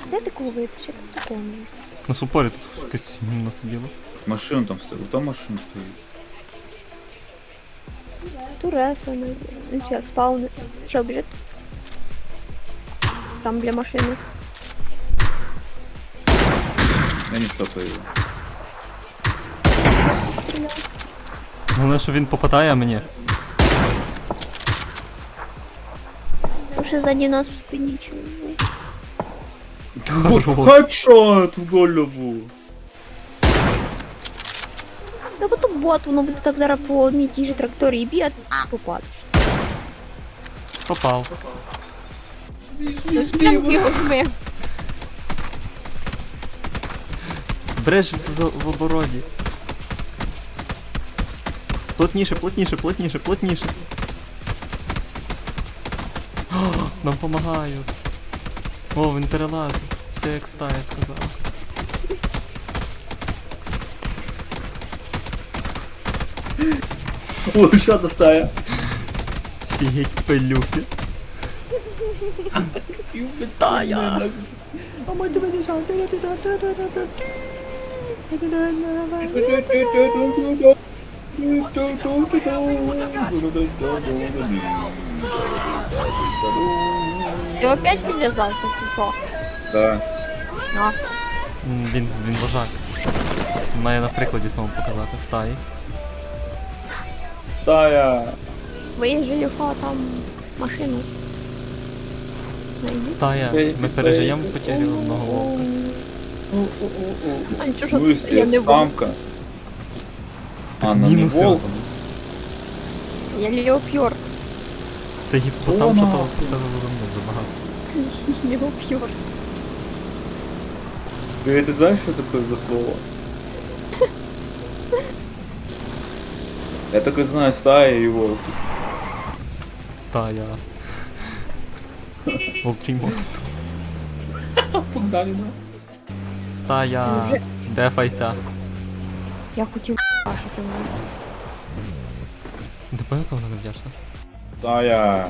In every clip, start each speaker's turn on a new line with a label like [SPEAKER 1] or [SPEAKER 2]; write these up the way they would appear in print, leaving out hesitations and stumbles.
[SPEAKER 1] Де ти кого витиш? Я тут такого не вижу.
[SPEAKER 2] На супорі тут якась гімна сиділа.
[SPEAKER 3] Машину там стоїть. Там машина стоїть.
[SPEAKER 1] Туреса, ну чек, спауни. Чел біжить. Там для машини.
[SPEAKER 3] Я не штопаю його.
[SPEAKER 1] Стріляв.
[SPEAKER 2] Головне, що він попадає, а мені.
[SPEAKER 1] Там ще ззаді нас у спині чоловік.
[SPEAKER 2] Хорош.
[SPEAKER 3] Хедшот в голову.
[SPEAKER 1] Та бо то бот, воно буде так зараз по одній тій же тракторії бігати, а попадеш.
[SPEAKER 2] Попав.
[SPEAKER 1] Його жми.
[SPEAKER 2] Бреш в обороні. Плотніше, плотніше, плотніше, плотніше. О, нам помагають. О, він перелазить. Все як стая сказала.
[SPEAKER 3] О, що це стая?
[SPEAKER 2] Фігеть пилюки. Стая!
[SPEAKER 1] Ти опять підв'язався, чи що?
[SPEAKER 3] Да.
[SPEAKER 1] А,
[SPEAKER 2] Він вожак. Він має на прикладі самому показати стаї.
[SPEAKER 3] Стая.
[SPEAKER 1] виїжджали, що там машину. Найди.
[SPEAKER 2] Стая. Ми пережиємо потерю одного вовка.
[SPEAKER 1] А нічого,
[SPEAKER 3] Ну,
[SPEAKER 1] що я не буду.
[SPEAKER 3] самка. А, на не
[SPEAKER 2] мінуси.
[SPEAKER 3] волк.
[SPEAKER 1] Я леопьорд.
[SPEAKER 2] Це гіпотам, що того все забагато.
[SPEAKER 1] Леопьорд.
[SPEAKER 3] Ты знаешь, что такое за слово? Я только знаю стая и волк.
[SPEAKER 2] Стая. Волчий мост.
[SPEAKER 3] Погнали, да?
[SPEAKER 2] Стая.
[SPEAKER 1] Вже.
[SPEAKER 2] Дефайся.
[SPEAKER 1] Я хотів бачити мене.
[SPEAKER 2] Ти пам'ятаєш, вона не вдячна?
[SPEAKER 3] Стая.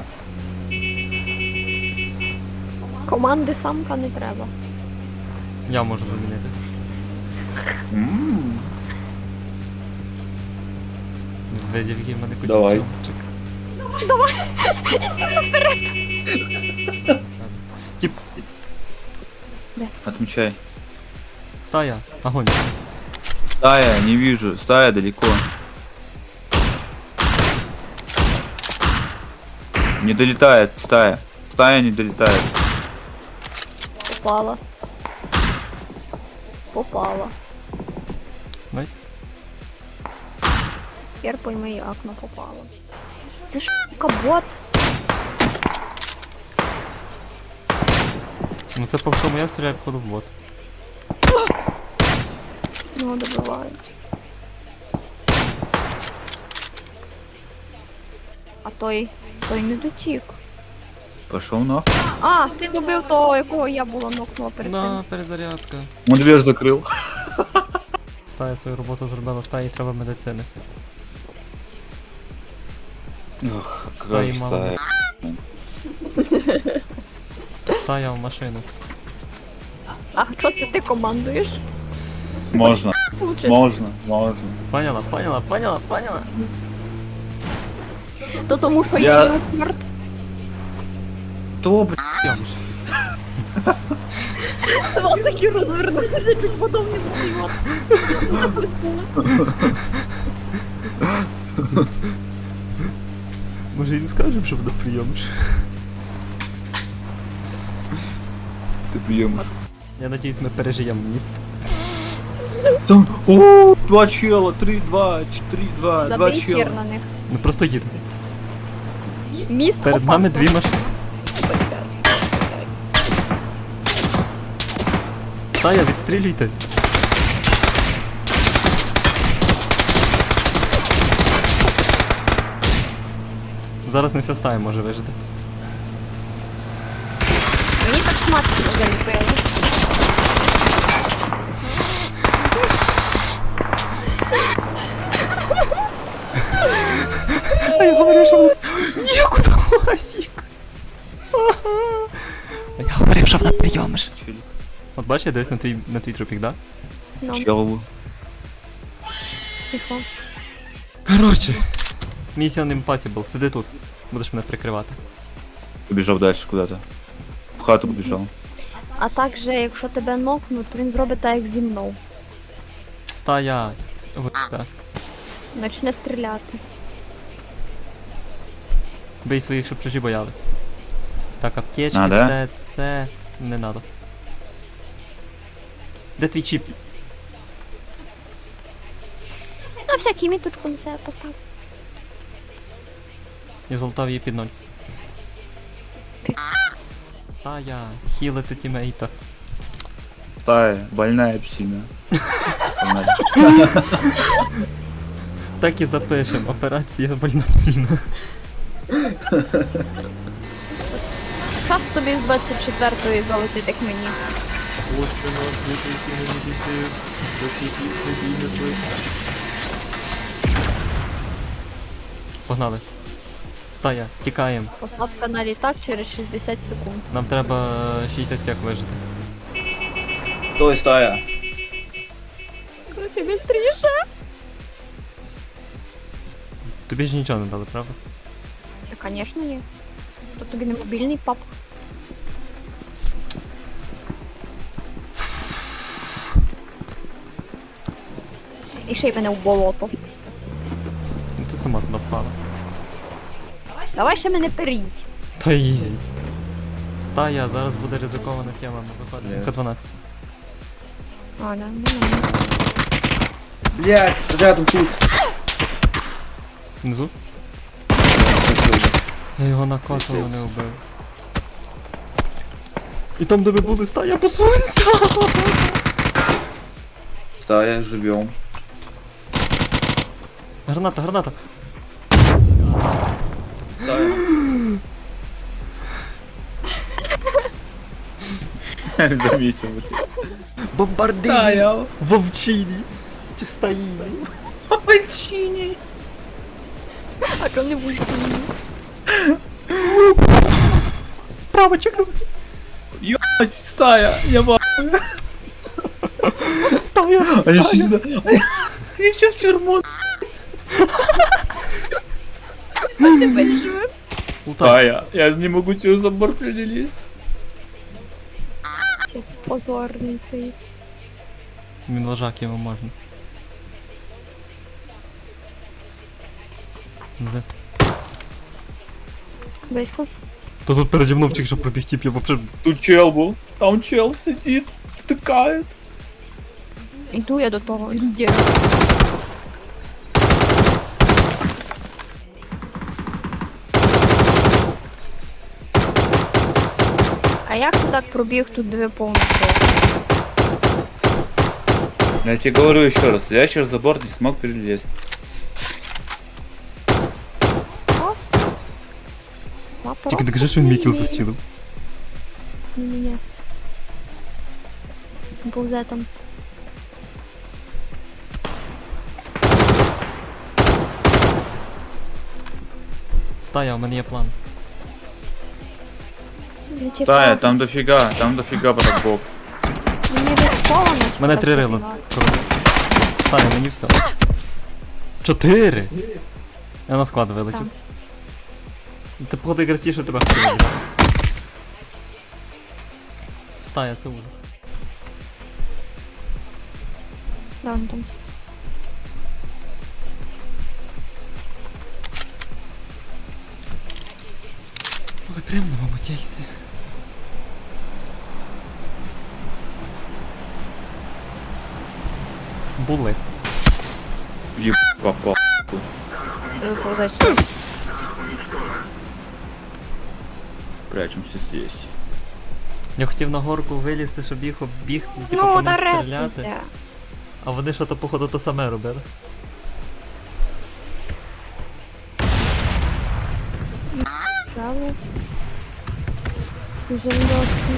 [SPEAKER 1] Команди самка не треба.
[SPEAKER 2] Я можу замінити. Видів в мене
[SPEAKER 3] Давай.
[SPEAKER 2] костюмчик. Тип,
[SPEAKER 3] Отмечай.
[SPEAKER 2] стая, огонь.
[SPEAKER 3] Стая, не вижу. Стая далеко. Не долетает стая. Стая не долетает.
[SPEAKER 1] Попала. Попала.
[SPEAKER 2] Найс.
[SPEAKER 1] Тепер пойми, як на попала. Це ж бот.
[SPEAKER 2] Ну це по всьому я стріляю походу в бот.
[SPEAKER 1] Ну, добивають. А той не дотік.
[SPEAKER 3] Пошел нахуй.
[SPEAKER 1] А, ти добив того, якого я була нокнула перед тим.
[SPEAKER 2] На, перезарядка.
[SPEAKER 3] Он дверь закрыл.
[SPEAKER 2] Стая свою роботу зробила, стаї треба медицини.
[SPEAKER 3] Ох,
[SPEAKER 2] Стаї
[SPEAKER 3] какая
[SPEAKER 2] мало.
[SPEAKER 3] стая.
[SPEAKER 2] Стая в машину.
[SPEAKER 1] А що це ти командуєш?
[SPEAKER 3] Можно,
[SPEAKER 1] Получиться.
[SPEAKER 3] можно, можно.
[SPEAKER 2] Поняла, поняла, поняла, поняла.
[SPEAKER 1] То тому, що
[SPEAKER 3] Я-
[SPEAKER 1] я леопард.
[SPEAKER 3] Кто, блядь?
[SPEAKER 1] Вам такі розвернулися, чуть потім не поцілував.
[SPEAKER 2] Може їм скажемо, що буде прийомиш?
[SPEAKER 3] Ты приемыш.
[SPEAKER 2] Я надіюсь, ми пережиємо міст.
[SPEAKER 3] Там, о, два чела, 3, 2, 4, 2, два
[SPEAKER 1] Забий
[SPEAKER 3] чела.
[SPEAKER 1] хер на них.
[SPEAKER 2] Ми просто їдемо.
[SPEAKER 1] Міст
[SPEAKER 2] Перед нами дві машини. Стая, відстрілюйтесь. Зараз не вся стая може вижити.
[SPEAKER 1] Мені так смачно заліпили.
[SPEAKER 2] А я говорю, що вона... Нікуди ласік. А я говорив, що вона прийомиш.
[SPEAKER 3] Чили.
[SPEAKER 2] От бачиш, я дивись на твій трупік, да?
[SPEAKER 1] Ну,
[SPEAKER 3] Чел.
[SPEAKER 1] і що?
[SPEAKER 2] Коротше. Mission Impossible, сиди тут. Будеш мене прикривати.
[SPEAKER 3] Побежал дальше куда-то. В хату побежал.
[SPEAKER 1] А також, якщо тебе нокнуть, то він зробить так, як зі мною.
[SPEAKER 2] Стоять. Так.
[SPEAKER 1] Почне стріляти.
[SPEAKER 2] Бий своїх, щоб чужі боялись. Так, аптечки,
[SPEAKER 3] А, да?
[SPEAKER 2] це не надо. Де твій чіп?
[SPEAKER 1] На всякий міточку на себе постав.
[SPEAKER 2] Я залутав її під 0. Стая, хілити тімейта.
[SPEAKER 3] Стая, больная псина. Погнали.
[SPEAKER 2] Так і запишем. Операція больна ціна.
[SPEAKER 1] Раз тобі з 24-ї залетить, як мені.
[SPEAKER 2] Погнали. Стая, тікаємо.
[SPEAKER 1] Посадка на літак через 60 секунд.
[SPEAKER 2] Нам треба 60 сек вижити.
[SPEAKER 3] Стой, стая.
[SPEAKER 1] Коли ти бістріше?
[SPEAKER 2] Тобі ж нічого не дали, правда?
[SPEAKER 1] Та, звісно, ні. То тобі не мобільний пап. І ще й мене в болото.
[SPEAKER 2] Ну ти сама туди впала.
[SPEAKER 1] Давай ще мене періть.
[SPEAKER 2] Та ізі. Стая, зараз буде ризикована тема, ми виходимо. Х12.
[SPEAKER 1] А, да, ну.
[SPEAKER 3] Блять, рядом тут.
[SPEAKER 2] Внизу? Я його накосило не вбив. І там, де ви були, стая, посунься!
[SPEAKER 3] Стая, живем.
[SPEAKER 2] Граната, граната!
[SPEAKER 3] Стая. Заметил.
[SPEAKER 2] Бомбардині!
[SPEAKER 3] Стая.
[SPEAKER 2] Вовчині! Чи стаїні?
[SPEAKER 3] Пальчини.
[SPEAKER 1] А то не будь.
[SPEAKER 2] Право, чекай!
[SPEAKER 3] Стая, я ба.
[SPEAKER 2] Стая!
[SPEAKER 3] Они все
[SPEAKER 2] Стая!
[SPEAKER 3] сюда. Они все в тюрьму.
[SPEAKER 1] Тебе живе.
[SPEAKER 2] Лутай!
[SPEAKER 3] Стая, я не могу через забор перелезть.
[SPEAKER 1] Це позорний цей.
[SPEAKER 2] Він вожак, йому можна. Зе.
[SPEAKER 1] Близько.
[SPEAKER 2] Та тут переді мною втік, що пробіг тіп, я вообще...
[SPEAKER 3] Тут чел был. Там чел сидит, втыкает.
[SPEAKER 1] Іду я до того лідера. А як ти так пробіг тут дві повністю?
[SPEAKER 3] Я тебе говорю еще раз, я через забор не смог перелезть.
[SPEAKER 1] Клас.
[SPEAKER 2] Тільки не кажи, що він мій кіл застілив.
[SPEAKER 1] Ні-ні-ні. Повзе там.
[SPEAKER 2] Стая, у мене є план.
[SPEAKER 1] Ну, типа,
[SPEAKER 3] Стая, там дофига врагов.
[SPEAKER 1] Мені рисковано.
[SPEAKER 2] У мене
[SPEAKER 1] так
[SPEAKER 2] 3 рила.
[SPEAKER 1] забігати.
[SPEAKER 2] Стая, мені все. 4! Я на склад вилетів.
[SPEAKER 1] Так.
[SPEAKER 2] Ти походу якраз ті, що тебе хотіли. Стая, це ужас.
[SPEAKER 1] Да, ну там.
[SPEAKER 2] Були прямо на мамотельці. Були.
[SPEAKER 3] Еб попал.
[SPEAKER 1] Виповзай сюди.
[SPEAKER 3] Прячемся здесь.
[SPEAKER 2] Я хотів на горку вилізти, щоб їх оббігти, типу
[SPEAKER 1] Ну,
[SPEAKER 2] по
[SPEAKER 1] та
[SPEAKER 2] них стріляти.
[SPEAKER 1] ресися.
[SPEAKER 2] А вони що то походу то саме робили.
[SPEAKER 1] Право. Землёсні.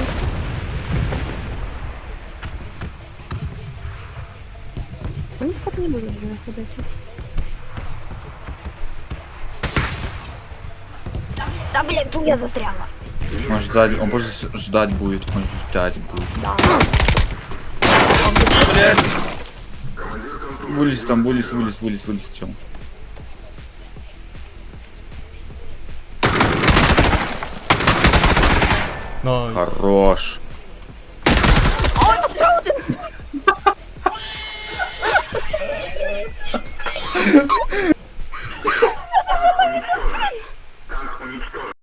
[SPEAKER 1] Вони хоч не будуть вже ходити. Та блін, тут я застряла.
[SPEAKER 3] Он ждать, он просто ждать будет, он ждать будет.
[SPEAKER 1] Да.
[SPEAKER 3] Вылез там, вылез, чё?
[SPEAKER 2] Найс.
[SPEAKER 3] Хорош.
[SPEAKER 1] О, это второй один!